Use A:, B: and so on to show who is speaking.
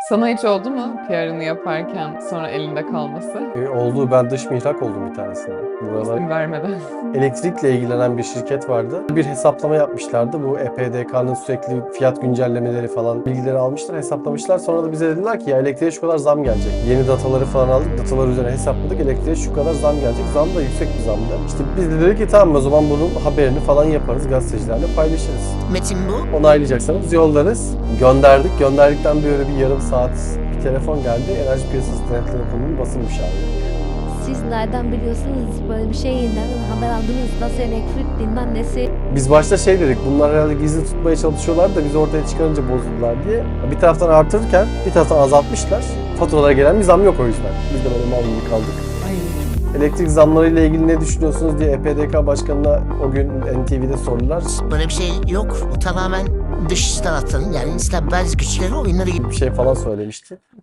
A: Sana hiç oldu mu PR'ını yaparken sonra elinde kalması?
B: Oldu. Ben dış mihrak oldum bir tanesinde. Buralar
A: İsim vermeden.
B: elektrikle ilgilenen bir şirket vardı. Bir hesaplama yapmışlardı. Bu EPDK'nın sürekli fiyat güncellemeleri falan bilgileri almışlar, hesaplamışlar. Sonra da bize dediler ki ya elektriğe şu kadar zam gelecek. Yeni dataları falan aldık. Datalar üzerine hesapladık. Elektriğe şu kadar zam gelecek. Zam da yüksek bir zamdı. İşte biz de dedik ki tamam o zaman bunun haberini falan yaparız. Gazetecilerle paylaşırız.
C: Metin bu.
B: Onaylayacaksanız yollarız. Gönderdik. Gönderdikten böyle bir yarım saat bir telefon geldi. Enerji Piyasası Denetleri Kurulu'nun basın müşaviri.
D: Siz nereden biliyorsunuz böyle bir şeyi? Nereden haber aldınız? Nasıl elektrik bilmem nesi?
B: Biz başta şey dedik, bunlar herhalde gizli tutmaya çalışıyorlar da biz ortaya çıkarınca bozuldular diye. Bir taraftan artırırken bir taraftan azaltmışlar. Faturalara gelen bir zam yok o yüzden. Biz de böyle mal gibi kaldık.
A: Ay.
B: Elektrik zamlarıyla ilgili ne düşünüyorsunuz diye EPDK Başkanı'na o gün NTV'de sordular.
C: Böyle bir şey yok. Bu tamamen dış taraftan yani İslam bazı güçleri oyunları gibi.
B: Bir şey falan söylemişti.